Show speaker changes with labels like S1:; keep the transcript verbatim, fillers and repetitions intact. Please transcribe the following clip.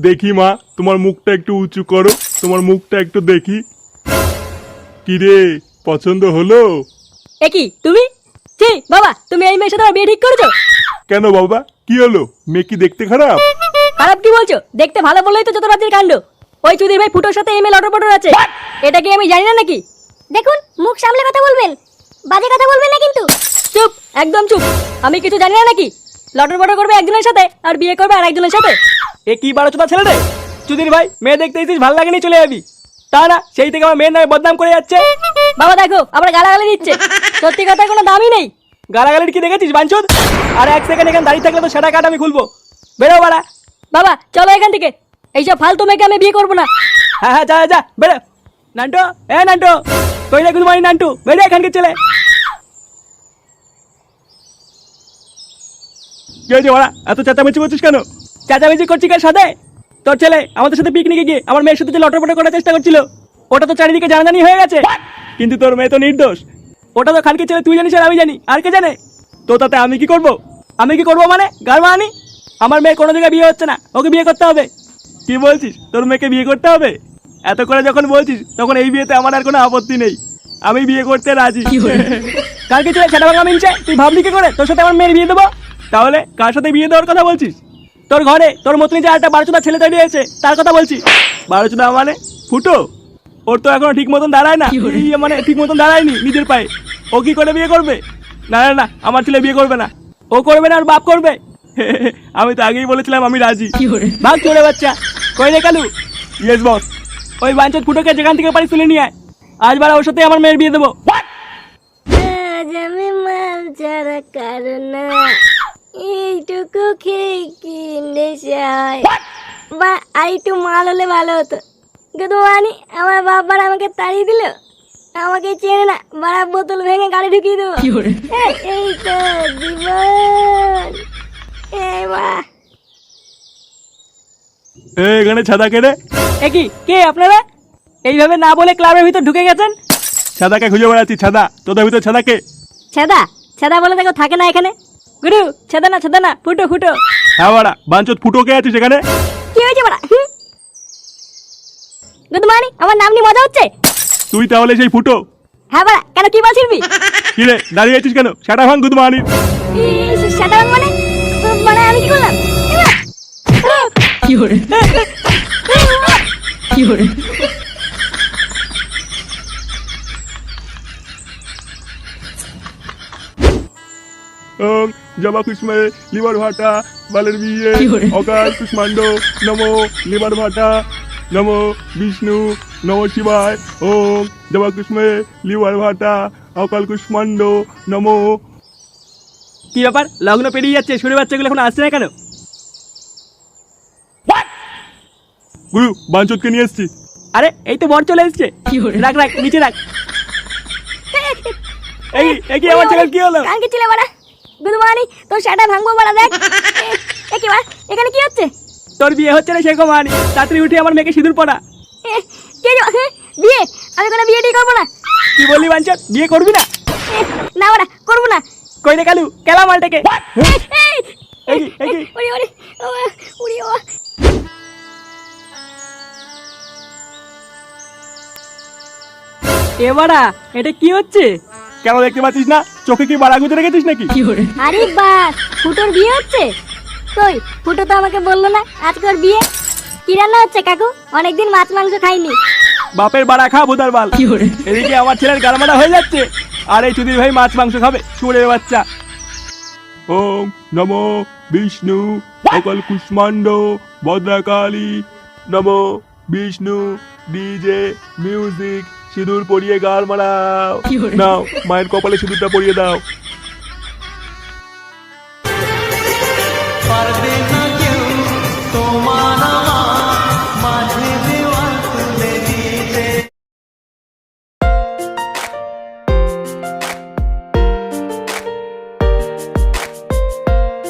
S1: দেখি মা, তোমার মুখটা একটু উঁচু করো, তোমার মুখটা একটু দেখি। কি রে, পছন্দ হলো?
S2: এ কি তুমি? ছি বাবা, তুমি এই মেয়ের সাথে আমার বিয়ে ঠিক করেছো?
S1: কেন বাবা, কি হলো? মেয়ে কি দেখতে খারাপ?
S2: খারাপ কি বলছো? দেখতে ভালো বললেই তো যত রাজ্যের কাণ্ড। ওই চুদির ভাই ফুটোর সাথে এই মেয়ে লটর পটর আছে, এটা কি আমি জানি না নাকি?
S3: দেখুন, মুখ সামলে কথা বলবেন, বাজে কথা বলবেন না কিন্তু।
S2: চুপ, একদম চুপ। আমি কিছু জানি না নাকি? লটর পটর করবে একজনের সাথে আর বিয়ে করবে আর একজনের সাথে।
S4: এ কি বারো চোদা ছেলে রে? চুদির ভাই, মেয়ে দেখতে এসেছিস, ভালো লাগেনি চলে যাবি। তা না, সেই থেকে আমার মেয়ের নামে বদনাম করে যাচ্ছে।
S2: বাবা দেখো, আবার গালাগালি দিচ্ছে। সত্যি কথার কোনো দামই নেই।
S4: গালাগালির কি দেখেছিস বাঞ্চোদ? আর এক সেকেন্ড এখানে দাঁড়িয়ে থাকলে তো সেটা কাট আমি খুলবো। বেরো বাড়া।
S2: বাবা চলো এখান থেকে, এইসব ফালতু মেয়েকে আমি বিয়ে করবো না।
S4: হ্যাঁ হ্যাঁ, যা যা, বেরো। নান্টু, এ নান্টু, কই রে গুদমানি নান্টু, বেরো এখানকার ছেলে। কি হয়েছে বাড়া, এত চেঁচামেচি করছিস কেন? চেঁচামেচি করছি কার সাথে? তোর ছেলে আমাদের সাথে পিকনিকে গিয়ে আমার মেয়ের সাথে যে লটরপটর করার চেষ্টা করছিল, ওটা তো চারিদিকে জানাজানি হয়ে গেছে। কিন্তু তোর মেয়ে তো নির্দোষ। ওটা তো খানকে ছেলে, তুই জানিস আর আমি জানি, আর কে জানে? তো তাতে আমি কি করব? আমি কি করব মানে গার মানি? আমার মেয়ের কোনো জায়গায় বিয়ে হচ্ছে না, ওকে বিয়ে করতে হবে। কি বলছিস, তোর মেয়েকে বিয়ে করতে হবে? এত করে যখন বলছিস তখন এই বিয়েতে আমার আর কোনো আপত্তি নেই, আমি বিয়ে করতে রাজি। কালকে ছেলে সেটা ভাঙা মিলছে, তুই ভাবলি কি করে তোর সাথে আমার মেয়ের বিয়ে দেবো? তাহলে কার সাথে বিয়ে দেওয়ার কথা বলছিস? তোর ঘরে তোর মতনই যে একটা বারোচোদা ছেলে তৈরি হয়েছে তার কথা বলছি। বারোচোদা মানে ফুটো? ওর তো এখনো ঠিক মতন দাঁড়ায় না, ইয়ে মানে ঠিক মতন দাঁড়ায়নি নিজের পায়ে। ও কি করে বিয়ে করবে? না না না, আমার ছেলে বিয়ে করবে না। ও করবে না, আর বাপ করবে। আমি তো আগেই বলেছিলাম আমি রাজি। ভাগ চলে বাচ্চা। কই রে কালু? Yes boss. ওই বাঞ্চত ফুটোকে যেখান থেকে পারি তুলে নিয়ে আয়, আজ বারা ওর সাথে আমার মেয়ের বিয়ে দেবো।
S3: আজ আমি মাল ছাড়া কারো না, এইটুকু খেয়ে কি নেশা হয়। বা আর একটু মাল হলে ভালো হতো। কিন্তু মানে আমার বাবার আমাকে তাড়িয়ে দিল, আমাকে চেনে না, বাড়া বোতল ভেঙে গাড়ি ঢুকিয়ে দেবো। এই, এই তো জীবন। এই বাড়া,
S1: এ, এখানে ছাদা কেড়ে।
S4: এ কি, কে আপনারা? এইভাবে না বলে ক্লাবের ভিতর ঢুকে গেছেন।
S1: ছাদাকে খুঁজে বেড়াচ্ছি। ছাদা, তোদের ভিতর ছাদাকে?
S2: ছেদা ছেদা বলে দেখো থাকে না এখানে। গুরু, ছেদা না ছেদা না, ফুটো ফুটো।
S1: হ্যাঁ বাড়া, বাঞ্চত ফুটো কে আছিস এখানে?
S2: কি হয়েছে বাড়া? গুড মর্নিং, আমার নাম নিয়ে মজা হচ্ছে?
S1: তুই তাহলে সেই ফুটো?
S2: হ্যাঁ বাড়া, কেন কি বলছিস?
S1: কি রে, দাঁড়িয়ে আছিস কেন? সেটা ভাঙ গুদ মানি।
S2: সেটা মানে মানে আমি কি করলাম?
S4: কি করে কি করে
S1: ওম জবা কুষ্মে লিভার ভাটা বালের বিয়ে অকাল কুষ্মাণ্ড নমো লিভার ভাটা নমো বিষ্ণু নমো শিবায়। ওম জবা কুষ্মে লিভার ভাটা অকাল কুষ্মাণ্ড নমো।
S4: কি ব্যাপার, লগ্ন পেরিয়ে যাচ্ছে, শুনে বাচ্চাগুলো এখন আসছে না কেন?
S1: গুরু, বাঞ্চতকে নিয়ে এসছি।
S4: আরে এই তো বর চলে এসছে। রাখ রাখ, নিচে রাখ। এই এই কি আমার ছেলের কি হলো?
S2: কালকে ছিলে বাড়া। গুড মর্নিং, তোর সেটা ভাঙবো বাড়া, দেখ। এ কি বাড়া, এখানে কি হচ্ছে?
S4: তোর বিয়ে হচ্ছে না সেরকম আনি, তাড়াতাড়ি উঠে আমার মেয়েকে সিঁদুর পড়া।
S2: এ, কে যে- এ, বিয়ে? আমি কোনো বিয়ে টিয়ে করবো না।
S4: কি বললি বাঞ্চত, বিয়ে করবি না?
S2: এ, না বাড়া, করবো না।
S4: কই রে কালু, কেলা মালটাকে।
S2: এই,
S4: এই কি, এই কি?
S2: ওরে ওরে ওরে ওরে ও।
S4: এবারা এটা কি হচ্ছে?
S1: কেন দেখতে পাচ্ছিস না? চোখে কি বাড়া গুঁজে রেখেছিস নাকি?
S2: আরে বাস, ফুটোর বিয়ে হচ্ছে? কই, ফুটো তো আমাকে বললো না আজকে ওর বিয়ে। কি রান্না হচ্ছে কাকু? অনেকদিন মাছ মাংস খাইনি।
S4: বাপের বাড়া খা ভোদার বাল। এদিকে আমার ছেলের গালমাটা হয়ে যাচ্ছে, আর এই চুদির ভাই মাছ মাংস খাবে, শুয়োরের বাচ্চা।
S1: ওম নমো বিষ্ণু অকাল কুষ্মাণ্ড ভদ্রাকালী নমো বিষ্ণু। ডিজে মিউজিক, সিঁদুর পরিয়ে গাল মারাও। নাও, মায়ের কপালে সিঁদুরটা পরিয়ে দাও।